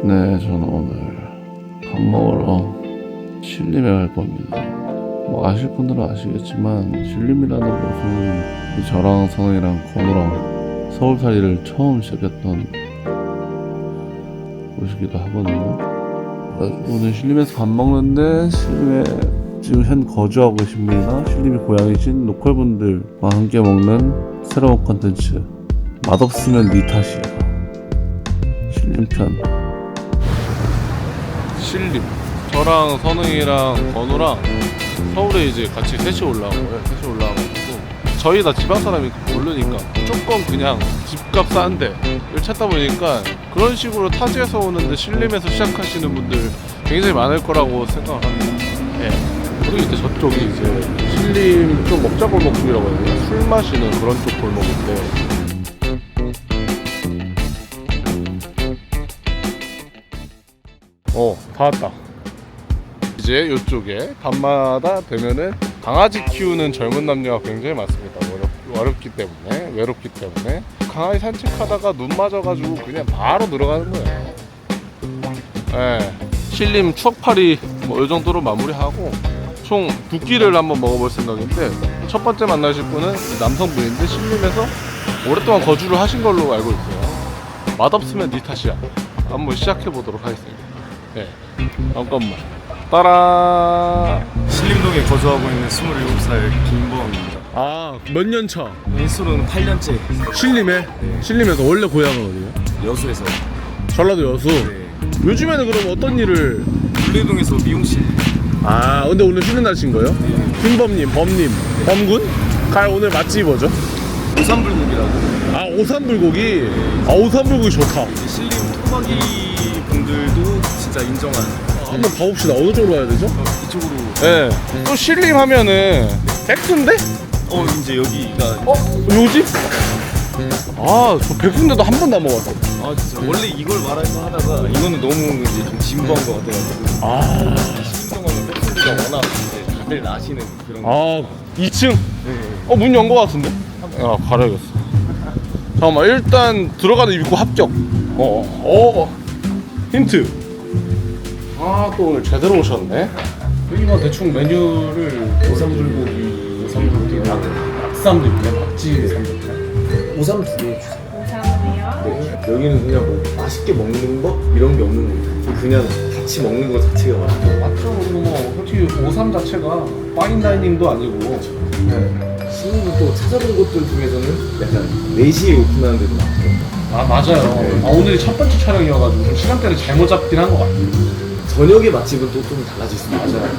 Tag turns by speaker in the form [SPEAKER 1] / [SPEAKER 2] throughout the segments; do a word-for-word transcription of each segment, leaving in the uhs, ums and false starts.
[SPEAKER 1] 네, 저는 오늘 밥 먹으러 신림에 갈 겁니다. 뭐 아실 분들은 아시겠지만 신림이라는 곳은 저랑 선우이랑 건우랑 서울살이를 처음 시작했던 곳이기도 하거든요. 오늘 신림에서 밥 먹는데 신림에 지금 현 거주하고 계신 분이나 신림이 고향이신 로컬분들과 함께 먹는 새로운 컨텐츠 맛없으면 니 탓이야 신림편. 신림 저랑 선웅이랑 건우랑 서울에 이제 같이 셋이 올라온 거예요. 셋이 올라와가지고 저희 다 지방 사람이 모르니까 무조건 그냥 집값 싼데 를 찾다 보니까 그런 식으로 타지에서 오는데 신림에서 시작하시는 분들 굉장히 많을 거라고 생각을 합니다. 네. 그리고 이제 저쪽이 이제 신림 좀 먹자골목 쪽이라고 해야 되나? 술 마시는 그런 쪽 골목인데 어, 다 왔다. 이제 이쪽에 밤마다 되면은 강아지 키우는 젊은 남녀가 굉장히 많습니다. 어렵, 어렵기 때문에, 외롭기 때문에 강아지 산책하다가 눈 맞아가지고 그냥 바로 들어가는 거예요. 예, 신림 추억팔이 뭐 이 정도로 마무리하고 총 두 끼를 한번 먹어볼 생각인데 첫 번째 만나실 분은 남성분인데 신림에서 오랫동안 거주를 하신 걸로 알고 있어요. 맛없으면 니 탓이야. 한번 시작해 보도록 하겠습니다. 네, 잠깐만. 따라.
[SPEAKER 2] 신림동에 거주하고 있는 스물일곱 살 김범입니다.
[SPEAKER 1] 아, 몇 년 차?
[SPEAKER 2] 인수로는 팔 년째.
[SPEAKER 1] 신림에?
[SPEAKER 2] 네.
[SPEAKER 1] 신림에서 원래 고향은 어디예요?
[SPEAKER 2] 여수에서.
[SPEAKER 1] 전라도 여수?
[SPEAKER 2] 네.
[SPEAKER 1] 요즘에는 그럼 어떤 일을?
[SPEAKER 2] 물레동에서 미용실.
[SPEAKER 1] 아, 근데 오늘 쉬는 날인 거예요?
[SPEAKER 2] 네.
[SPEAKER 1] 김범님, 범님, 범군? 갈 오늘 맛집이 뭐죠?
[SPEAKER 2] 오삼불고기라고.
[SPEAKER 1] 아, 오삼불고기? 아, 오삼불고기 좋다.
[SPEAKER 2] 신림 토박이 분들도 진짜 인정한.
[SPEAKER 1] 한번 가봅시다. 어느 쪽으로 가야 되죠?
[SPEAKER 2] 어, 이쪽으로.
[SPEAKER 1] 네. 또 신림 하면은 백순대?
[SPEAKER 2] 어 이제 여기가.
[SPEAKER 1] 어? 요집? 아, 저 백순대도 한 번도 안 먹었어.
[SPEAKER 2] 아 진짜 원래 이걸 말할까 하다가 이거는 너무 이제 좀 진부한 것 같아가지고.
[SPEAKER 1] 아,
[SPEAKER 2] 신림동은 백순대가 워낙 이제 다들 아시는 그런.
[SPEAKER 1] 아, 이 층?
[SPEAKER 2] 네.
[SPEAKER 1] 어, 문 연 거 같은데? 야, 가려야겠어. 잠깐만, 일단 들어가는 입구 합격. 어, 어, 힌트. 아, 또 오늘 제대로 오셨네. 여기가 대충 메뉴를
[SPEAKER 2] 오삼불고기.
[SPEAKER 1] 오삼불고기, 낙삼도 있네. 박지 삼겹살.
[SPEAKER 2] 오삼 두 개 주세요.
[SPEAKER 3] 오삼이요?
[SPEAKER 2] 네. 여기는 그냥 뭐 맛있게 먹는 거 이런 게 없는 거예요. 그냥 같이 먹는 거 자체가 맛있고.
[SPEAKER 1] 맞죠? 그리고 뭐 솔직히 오삼 자체가 파인다이닝도 아니고. 네.
[SPEAKER 2] 신림은 또 찾아본 곳들 중에서는 약간 네 시에 오픈하는 데도 많더라고요.
[SPEAKER 1] 아, 맞아요.
[SPEAKER 2] 네.
[SPEAKER 1] 아, 오늘이 첫 번째 촬영이어가지고 좀 시간대를 잘못 잡긴 한 것 같아요.
[SPEAKER 2] 저녁의 맛집은 또 좀 달라질 수 있어요.
[SPEAKER 1] 맞아요.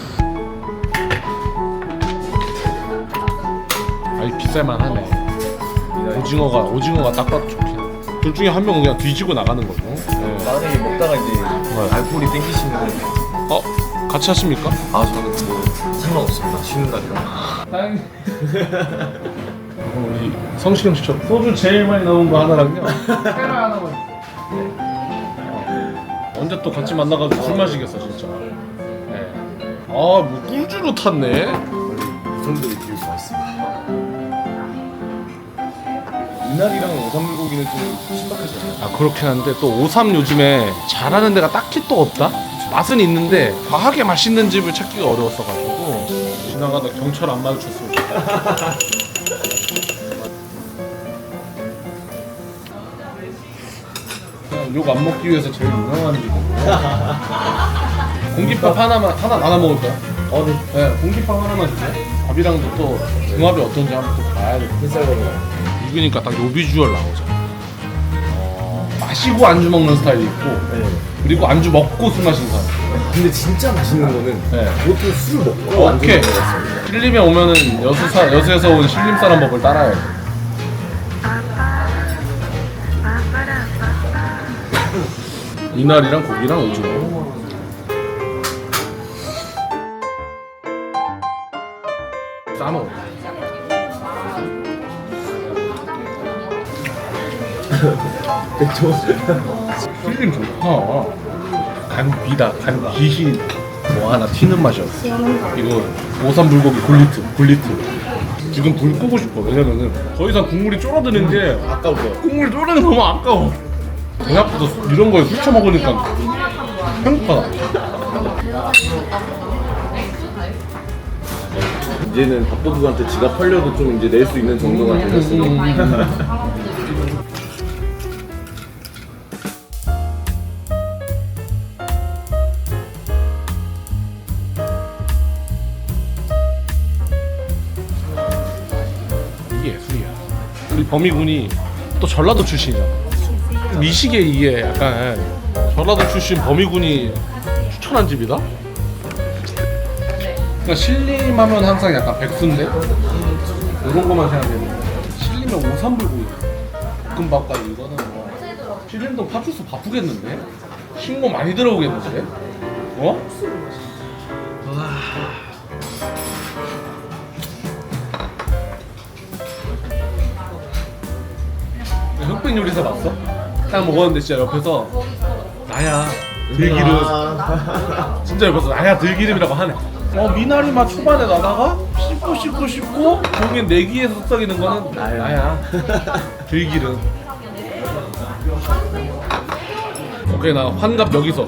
[SPEAKER 1] 아이, 비쌀만 하네. 오징어가 오징어가 딱 봐도 좋긴 해. 둘 중에 한 명은 그냥 뒤지고 나가는 거고. 네.
[SPEAKER 2] 만약에 먹다가 이제 알코올이 땡기시면
[SPEAKER 1] 어, 같이 하십니까?
[SPEAKER 2] 아 저는 뭐 상관없습니다. 쉬는 날이라.
[SPEAKER 1] 다행히. 우리 성시경 씨처럼 소주 제일 많이 나온 거 하나랑요. 테라 하나만. 어. 언제 또 같이 만나가지고 술 마시겠어 진짜. 네. 아, 뭐 꿀주로 탔네.
[SPEAKER 2] 이 정도로 비울 수가 있습니다. 이날이랑 오삼불고기는 좀 신박하지 않아요?
[SPEAKER 1] 아, 그렇긴 한데 또 오삼 요즘에 잘하는 데가 딱히 또 없다? 맛은 있는데 과하게 맛있는 집을 찾기가 어려웠어가지고 지나가다 경찰 안 마주쳤으면 좋겠다. 그냥 욕 안 먹기 위해서 제일 유명한 집이고. 공깃밥 하나만 하나 나눠 먹을까요?
[SPEAKER 2] 어, 네.
[SPEAKER 1] 네, 공깃밥 하나만 주세요. 밥이랑도 또 궁합이 어떤지 한번 또 봐야 돼.
[SPEAKER 2] 흰쌀밥이랑.
[SPEAKER 1] 이거니까 딱 요 비주얼 나오잖아. 어, 마시고 안주 먹는 스타일이 있고,
[SPEAKER 2] 네.
[SPEAKER 1] 그리고 안주 먹고 술 마시는 사람.
[SPEAKER 2] 근데 진짜 맛있는 거는
[SPEAKER 1] 네.
[SPEAKER 2] 보통 술 먹고 안주
[SPEAKER 1] 오케이.
[SPEAKER 2] 먹는 거였어요.
[SPEAKER 1] 신림에 오면은 여수사 여수에서 온 신림 사람 법을 따라야 돼. 이날이랑 고기랑 오징어. 싸먹어.
[SPEAKER 2] 백조.
[SPEAKER 1] 신림 좋다. 간 비다. 간 빛이 뭐 하나 튀는 맛이었어. 이거 오삼불고기 굴리트. 굴리트. 지금 불 끄고 싶어. 왜냐면은 더 이상 국물이 쫄아드는 게
[SPEAKER 2] 아까워.
[SPEAKER 1] 국물이 쫄아드는 게 너무 아까워. 생각보다 이런 거에 술 처먹으니까 행복하다.
[SPEAKER 2] 이제는 밥도둑한테 지갑 팔려도 좀 이제 낼 수 있는 정도가 되었어.
[SPEAKER 1] 이게 예술이야. 우리 범이군이 또 전라도 출신이잖아. 미식에 이게 약간 전라도 출신 범이군이 추천한 집이다? 그러니까 신림하면 항상 약간 백순대? 이런 거만 생각했는데 신림에 오삼불고기 볶음밥까지 이거는 뭐 신림동 파출소 바쁘겠는데? 신고 많이 들어오겠는데? 어? 흑백 요리사 봤어? 딱 먹었는데 진짜 옆에서 나야 들기름 진짜 옆에서 나야 들기름이라고 하네. 어 미나리 맛 초반에 나다가 씹고 씹고 씹고 결국엔 내기에서 속삭이는 거는 나야, 나야. 들기름. 오케이 나 환갑 여기서.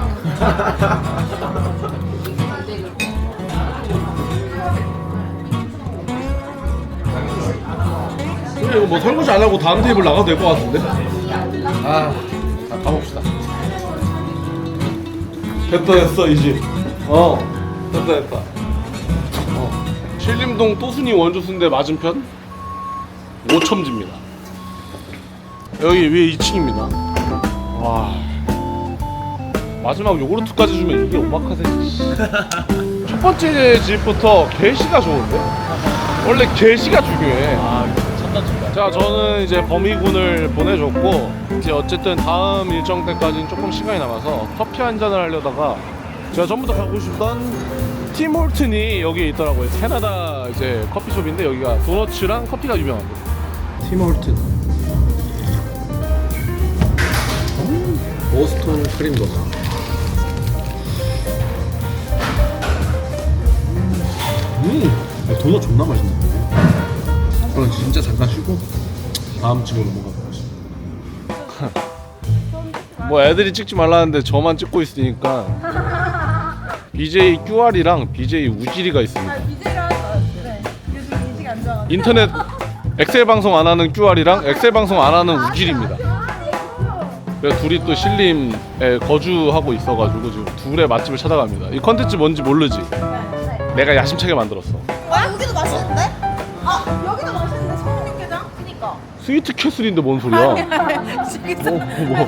[SPEAKER 1] 그래 이거 뭐 설거지 안 하고 다음 테이블 나가도 될 것 같은데? 아, 다 가봅시다. 됐다 됐어 이 집. 어, 됐다 됐다. 어. 신림동 또순이 원조순대 맞은편 오첨지입니다. 여기 위에 이 층입니다. 와, 마지막 요구르트까지 주면 이게 오마카세지. 첫 번째 집부터 게시가 좋은데? 원래 게시가 중요해. 아, 자, 저는 이제 범이군을 보내줬고 이제 어쨌든 다음 일정 때까지는 조금 시간이 남아서 커피 한 잔을 하려다가 제가 전부터 가고 싶던 팀홀튼이 여기에 있더라고요. 캐나다 이제 커피숍인데 여기가 도너츠랑 커피가 유명합니다. 팀홀튼 보스턴 크림버거. 음, 도넛 존나 맛있는데. 그럼 진짜 잠깐 쉬고 다음 집으로 넘어가고 싶어. 뭐 애들이 찍지 말라는데 저만 찍고 있으니까 비제이 큐알이랑 비제이 우지리가 있습니다.
[SPEAKER 3] 아, 비제이랑 그래. 요즘 인식이 안 좋아.
[SPEAKER 1] 인터넷 엑셀 방송 안 하는 큐알이랑 엑셀 방송 안 하는 우지리입니다. 그래서 둘이 또 신림에 거주하고 있어가지고 지금 둘의 맛집을 찾아갑니다. 이 컨텐츠 뭔지 모르지? 내가 야심차게 만들었어.
[SPEAKER 3] 와 여기도 맛있는데? 아 여기도 맛있는데 성육개장? 그니까.
[SPEAKER 1] 스위트 캐슬인데 뭔 소리야?
[SPEAKER 3] 진짜.
[SPEAKER 1] 뭐, 뭐.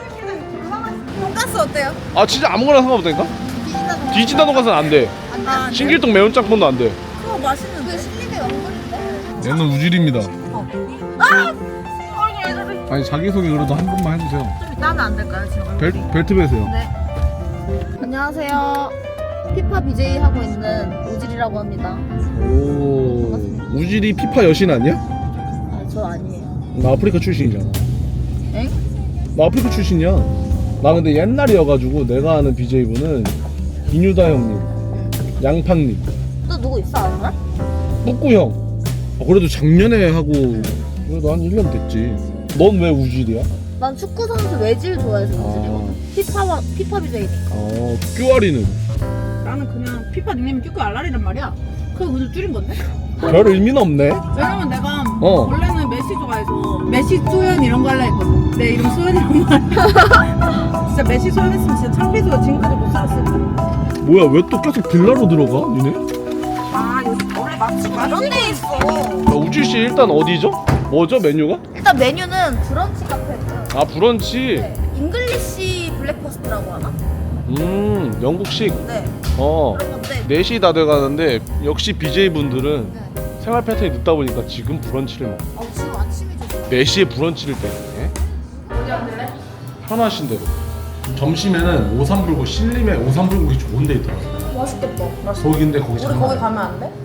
[SPEAKER 3] 돈가스 어때요?
[SPEAKER 1] 아 진짜 아무거나 상관없다니까?
[SPEAKER 3] 비진다.
[SPEAKER 1] 디지다 돈가스는 안 돼.
[SPEAKER 3] 안 돼.
[SPEAKER 1] 신길동 매운 짬뽕도 안 돼.
[SPEAKER 3] 그거 맛있는데. 그 신림의 영광인데.
[SPEAKER 1] 얘는 우질입니다.
[SPEAKER 3] 아! 어이구 얘들이.
[SPEAKER 1] 아니 자기소개 그래도 한 번만 해주세요.
[SPEAKER 3] 좀 이따 하면 안 될까요 지금?
[SPEAKER 1] 벨, 벨트 베세요.
[SPEAKER 3] 네. 안녕하세요. 피파 비제이 하고 있는 우질이라고 합니다.
[SPEAKER 1] 오, 우질이 피파 여신 아니야?
[SPEAKER 3] 아 저 아니에요.
[SPEAKER 1] 나 아프리카 출신이잖아.
[SPEAKER 3] 엥?
[SPEAKER 1] 나 아프리카 출신이야. 나 근데 옛날이어가지고 내가 아는 비제이분은 이뉴다 형님, 양팡님,
[SPEAKER 3] 또 누구 있어 아는 거?
[SPEAKER 1] 뿌꾸 형. 아, 그래도 작년에 하고 그래도 한 일 년 됐지. 넌 왜 우질이야?
[SPEAKER 3] 난 축구 선수 외질 좋아해서 우질이거든. 피파와 피파 비제이니까.
[SPEAKER 1] 어, 큐아리는
[SPEAKER 4] 나는 그냥 피파 닉네임이 큐큐 알라리란 말이야. 그거 그냥 줄인 건데?
[SPEAKER 1] 별 의미는 없네.
[SPEAKER 4] 왜냐면 내가
[SPEAKER 1] 어.
[SPEAKER 4] 원래는 메시 좋아해서 메시 소연 이런 거 할라 했거든. 내 이름 소연이란 말이야. 진짜 메시 소연 했으면 진짜 창피해서 지금까지 못 살았을 거야.
[SPEAKER 1] 뭐야 왜 또 계속 빌라로 들어가? 니네?
[SPEAKER 4] 아 요즘 원래 맛집
[SPEAKER 3] 이런 데 있어.
[SPEAKER 1] 야, 우질씨 일단 어디죠? 뭐죠 메뉴가?
[SPEAKER 3] 일단 메뉴는 브런치 카페고요.
[SPEAKER 1] 아 브런치.
[SPEAKER 3] 네. 잉글리시 블랙퍼스트라고 하나?
[SPEAKER 1] 음 영국식.
[SPEAKER 3] 네.
[SPEAKER 1] 어
[SPEAKER 3] 그런 건데.
[SPEAKER 1] 네 시 다 돼가는데 역시 비제이분들은
[SPEAKER 3] 네.
[SPEAKER 1] 생활 패턴이 늦다 보니까 지금 브런치를 먹어.
[SPEAKER 3] 아 지금 아침이죠.
[SPEAKER 1] 네 시에 브런치를 때문에 편하신 대로. 점심에는 오삼불고 신림에 오삼불고기 좋은 데 있더라고.
[SPEAKER 3] 맛있겠다.
[SPEAKER 1] 거기인데 거기
[SPEAKER 3] 우리
[SPEAKER 1] 장난
[SPEAKER 3] 거기
[SPEAKER 1] 아니야.
[SPEAKER 3] 가면 안 돼?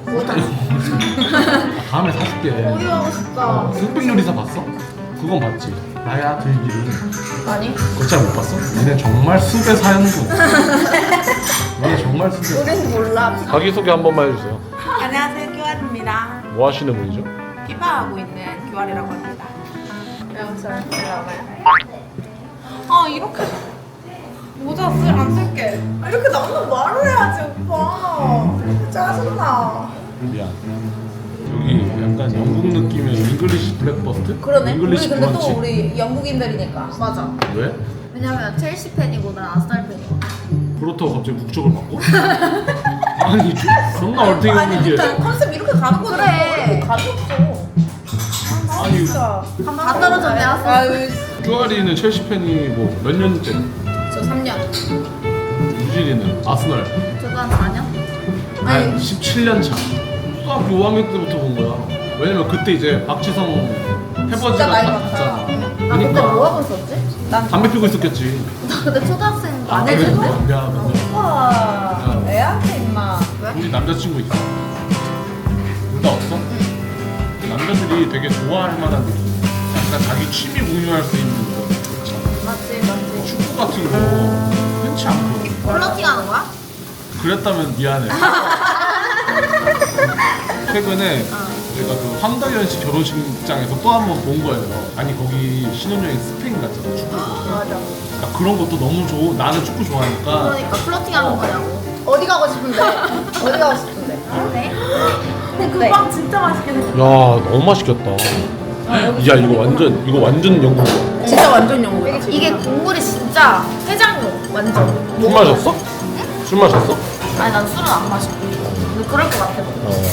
[SPEAKER 1] 아, 다음에 사줄게.
[SPEAKER 3] 거기 가고 싶다.
[SPEAKER 1] 흑백 요리사 봤어? 그건 봤지. 나야 들기름.
[SPEAKER 3] 아니?
[SPEAKER 1] 그거 잘 못 봤어? 니네 정말 숲에 사는군. 니네 정말 숲에.
[SPEAKER 3] 우린 몰라.
[SPEAKER 1] 자기소개 한 번만 해주세요.
[SPEAKER 4] 안녕하세요 큐알입니다.
[SPEAKER 1] 뭐 하시는 분이죠?
[SPEAKER 4] 피파하고 있는 큐알이라고 합니다.
[SPEAKER 3] 영상 들어가요.
[SPEAKER 4] 이렇게 모자 쓸 안 쓸게. 아, 이렇게 나오는 말을 해야지 오빠. 짜증나.
[SPEAKER 1] 미안. 여기 약간 영국 느낌의 잉글리시 블랙버스트?
[SPEAKER 3] 그러네.
[SPEAKER 1] 잉글리시
[SPEAKER 3] 우리 근데 또
[SPEAKER 1] 브런치.
[SPEAKER 3] 우리 영국인들이니까. 맞아.
[SPEAKER 1] 왜?
[SPEAKER 3] 왜냐면 첼시 팬이고 난 아스날 팬이거든.
[SPEAKER 1] 그렇다고 갑자기 국적을 바꿔? 아니 저- 존나 얼탱이
[SPEAKER 4] 아니
[SPEAKER 1] 없는 게
[SPEAKER 4] 그러니까 컨셉 이렇게 가는 거지.
[SPEAKER 3] 그래.
[SPEAKER 4] 뭐 감이 없어.
[SPEAKER 1] 아니
[SPEAKER 4] 진짜.
[SPEAKER 3] 다 떨어졌네 아스.
[SPEAKER 4] 아유,
[SPEAKER 1] 쭈아리는 첼시 팬이 뭐 몇 년째?
[SPEAKER 3] 저 삼 년.
[SPEAKER 1] 유진이는 아스널
[SPEAKER 3] 저도 한 사 년?
[SPEAKER 1] 한 십칠 년 차. 수학 오 학년 때부터 본 거야. 왜냐면 그때 이제 박지성 해버지가
[SPEAKER 4] 진짜 나이
[SPEAKER 1] 다
[SPEAKER 4] 많다.
[SPEAKER 1] 갔잖아.
[SPEAKER 3] 아 그때
[SPEAKER 1] 그러니까
[SPEAKER 3] 뭐 하고 있었지?
[SPEAKER 4] 난
[SPEAKER 1] 담배 피고 있었겠지.
[SPEAKER 3] 나 근데 초등학생
[SPEAKER 1] 아,
[SPEAKER 3] 안
[SPEAKER 1] 그래?
[SPEAKER 3] 해주고?
[SPEAKER 1] 미안, 미안.
[SPEAKER 4] 오빠 애한테 임마.
[SPEAKER 1] 우리 남자친구 있어. 둘 다 없어? 남자들이 되게 좋아할 만한 느낌. 약간 자기 취미 공유할 수 있는 거 있잖아.
[SPEAKER 3] 맞지 맞지.
[SPEAKER 1] 축구 같은 거 흔치 않고.
[SPEAKER 3] 플러팅 하는 거야?
[SPEAKER 1] 그랬다면 미안해. 최근에 제가 그 황다현 씨 결혼식장에서 또 한 번 본 거예요. 아니 거기 신혼여행 스페인 갔잖아 축구.
[SPEAKER 3] 맞아.
[SPEAKER 1] 그러니까 그런 것도 너무 좋고 나는 축구 좋아하니까.
[SPEAKER 3] 그러니까 플러팅 하는 거냐고.
[SPEAKER 4] 어디 가고 싶은데? 어디 가고 싶은데?
[SPEAKER 3] 네?
[SPEAKER 4] 근데 그 빵 진짜 맛있게 생겼어.
[SPEAKER 1] 야 너무 맛있겠다. 야 이거 완전 이거 완전 영국.
[SPEAKER 4] 진짜 완전 영국이야.
[SPEAKER 3] 이게 국물이 진짜 해장용 완전.
[SPEAKER 1] 술 마셨어? 술 마셨어?
[SPEAKER 3] 아니 난 술은 안 마셔. 근데 그럴 것 같아.
[SPEAKER 1] 어.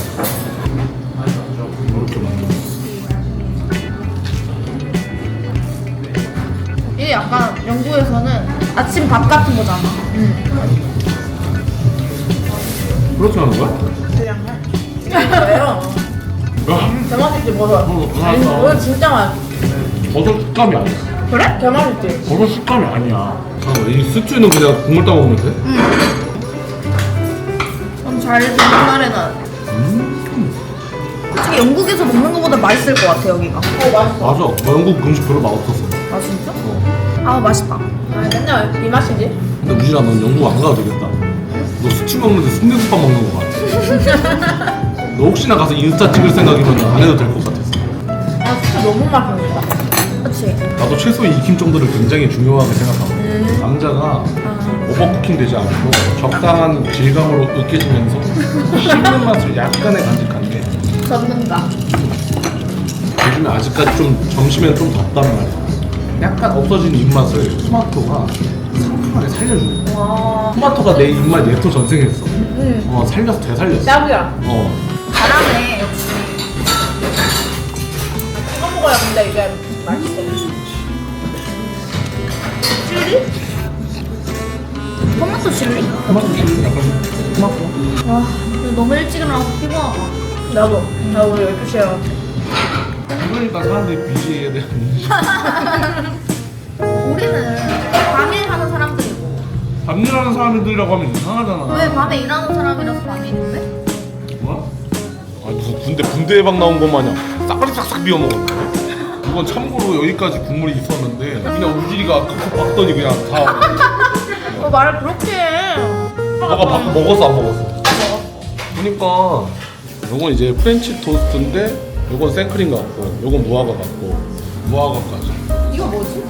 [SPEAKER 1] 이렇게 만들었어.
[SPEAKER 3] 이게 약간 영국에서는 아침 밥 같은 거잖아.
[SPEAKER 1] 그렇게 하는 거야?
[SPEAKER 4] 그냥 해. 왜요?
[SPEAKER 1] 야,
[SPEAKER 4] 개맛있지 버섯.
[SPEAKER 1] 어,
[SPEAKER 4] 아니
[SPEAKER 1] 알았어.
[SPEAKER 4] 버섯 진짜 맛있어.
[SPEAKER 1] 버섯 식감이 아니야.
[SPEAKER 4] 그래? 개맛있지.
[SPEAKER 1] 버섯 식감이 아니야. 잠깐만, 이 스튜는 그냥 국물 따 먹으면 돼?
[SPEAKER 3] 그럼 잘 생각하려는.
[SPEAKER 1] 음.
[SPEAKER 3] 솔직히 영국에서 먹는 것보다 맛있을 것 같아 여기가.
[SPEAKER 4] 어 맛있어.
[SPEAKER 1] 맞아. 나 영국 음식 별로 맛없었어.
[SPEAKER 3] 아 진짜?
[SPEAKER 1] 어.
[SPEAKER 3] 아 맛있다.
[SPEAKER 4] 아 맨날 이 맛이지.
[SPEAKER 1] 근데 우진아, 넌 영국 안 가도 되겠다. 너 스튜 먹는데 순대국밥 먹는 거 같아. 너 혹시나 가서 인스타 찍을 생각이면 안 해도 될 것 같았어.
[SPEAKER 4] 아 진짜 너무 맛있다.
[SPEAKER 3] 그렇지.
[SPEAKER 1] 나도 최소 익힘 정도를 굉장히 중요하게 생각하고 남자가 오버쿠킹 되지 않고 적당한 질감으로 으깨지면서 씹는 맛을 약간의 간직한 게
[SPEAKER 3] 전문가.
[SPEAKER 1] 요즘에 아직까지 좀 점심엔 좀 덥단 말이야. 약간 없어진 입맛을 토마토가 상큼하게 살려주는 거야.
[SPEAKER 4] 와.
[SPEAKER 1] 토마토가 내 입맛 예토 전생했어.
[SPEAKER 4] 응.
[SPEAKER 1] 어 살려서 되살렸어.
[SPEAKER 4] 짱이야.
[SPEAKER 1] 어.
[SPEAKER 3] 잘하네 역시.
[SPEAKER 4] 찍어 먹어야 근데 이게 맛있어.
[SPEAKER 3] 칠리? 토마토 칠리?
[SPEAKER 1] 토마토 좀 약간 토마토.
[SPEAKER 3] 와 근데 너무 일찍 일어나서 피곤하다.
[SPEAKER 4] 나도. 나 오늘 열두 시에
[SPEAKER 1] 그러니까 사람들이 비지에 대한 인식.
[SPEAKER 3] 우리는 밤에 하는 사람들이고
[SPEAKER 1] 밤일하는 사람들이라고 하면 이상하잖아.
[SPEAKER 3] 왜 밤에 일하는 사람이라서 밤에 있는데?
[SPEAKER 1] 뭐야? 아 무슨 군대 군대 예방 나온 것 마냥 싹가리 싹싹 비워 먹었네. 이건 참고로 여기까지 국물이 있었는데 그냥 우진이가 칵칵 봤더니 그냥 다.
[SPEAKER 3] 어 말을 그렇게 해.
[SPEAKER 1] 너가 밥 먹었어 안 먹었어? 그러니까 요건 이제 프렌치 토스트인데 요건 생크림 같고 요건 무화과 같고 무화과까지.
[SPEAKER 4] 이거 뭐지?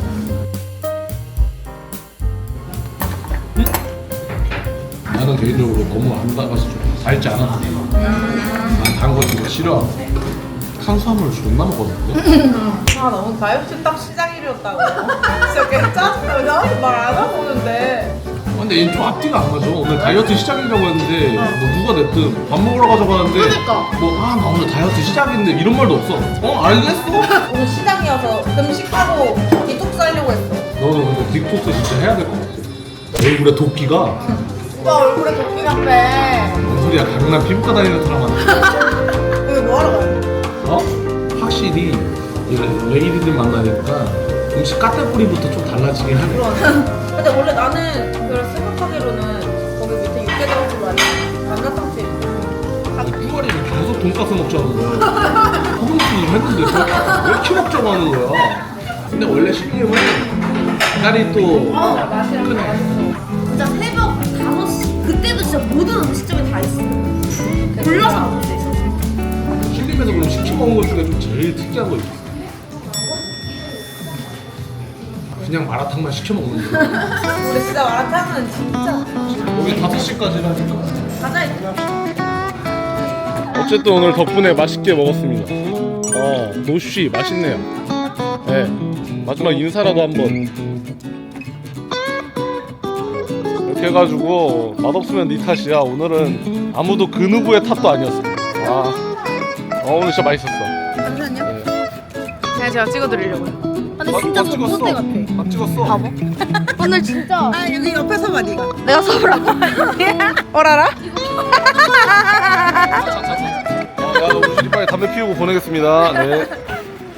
[SPEAKER 1] 나는 개인적으로 너무 안 달아서 좀 달지 않았어. 난단거 진짜 싫어하고 탄수화물 존나 먹었는데.
[SPEAKER 4] 아 너무 다이어트 딱 시작일이었다고. 진짜 개 짜증나. 나한테 말 안 하고 오는데.
[SPEAKER 1] 근데 얘는 좀 앞뒤가 안 맞아. 오늘 다이어트 시작이라고 했는데 뭐 누가 냈든 밥 먹으러 가자고 하는데
[SPEAKER 3] 그러니까.
[SPEAKER 1] 뭐 아 나 오늘 다이어트 시작인데 이런 말도 없어. 어 알겠어?
[SPEAKER 4] 오늘 시장이어서 금식하고 디톡스 하려고 했어.
[SPEAKER 1] 너는 근데 딕톡스 진짜 해야 될 것 같아. 얼굴에 도끼가
[SPEAKER 4] 오빠 얼굴에 도끼가 빼.
[SPEAKER 1] 뭔 소리야. 강남 피부과 다니는 사람한테.
[SPEAKER 4] 오늘 뭐 하러 가요?
[SPEAKER 1] 어? 확실히 이 레이디들 만나니까 음식 까탈뿌리부터 좀 달라지긴 하네.
[SPEAKER 4] 그러네. 근데 원래 나는 그걸 생각하기로는 거기 밑에 육개장집 아니야? 감자탕집.
[SPEAKER 1] 아니 쭈가리를 계속 돈가스 먹자는 거야. 허벅지 좀 했는데 왜 이렇게 먹자고 하는 거야. 근데 원래 신림은 날이 또
[SPEAKER 4] 아 맛이랑
[SPEAKER 1] 크네.
[SPEAKER 4] 맛있어.
[SPEAKER 3] 진짜 새벽 다섯 시 그때도 진짜 모든 음식점이 다 있어. 골라서 먹을 수 있어.
[SPEAKER 1] 신림에서 그럼 시켜 먹은 것 중에 좀 제일 특이한 거 있어. 그냥 마라탕만 시켜 먹는 거야.
[SPEAKER 4] 근데 진짜 마라탕은 진짜
[SPEAKER 1] 여기 다섯 시까지라니까.
[SPEAKER 4] 가자 이거.
[SPEAKER 1] 어쨌든 오늘 덕분에 맛있게 먹었습니다. 어, 노쉬 맛있네요. 네, 마지막 인사라도 한번. 이렇게 해가지고 맛없으면 네 탓이야. 오늘은 아무도 그 누구의 탓도 아니었어. 아, 어, 오늘 진짜 맛있었어.
[SPEAKER 4] 잠시만요.
[SPEAKER 1] 네.
[SPEAKER 4] 그냥 제가 찍어드리려고요.
[SPEAKER 3] 근데 진짜
[SPEAKER 1] 다
[SPEAKER 3] 전봇대 같아.
[SPEAKER 1] 다 찍었어.
[SPEAKER 3] 바보. 오늘 진짜
[SPEAKER 4] 아 여기 옆에서 봐 네가.
[SPEAKER 3] 내가 써보라고.
[SPEAKER 4] 어라라?
[SPEAKER 1] 야, 우리 빨리 담배 피우고 보내겠습니다. 네.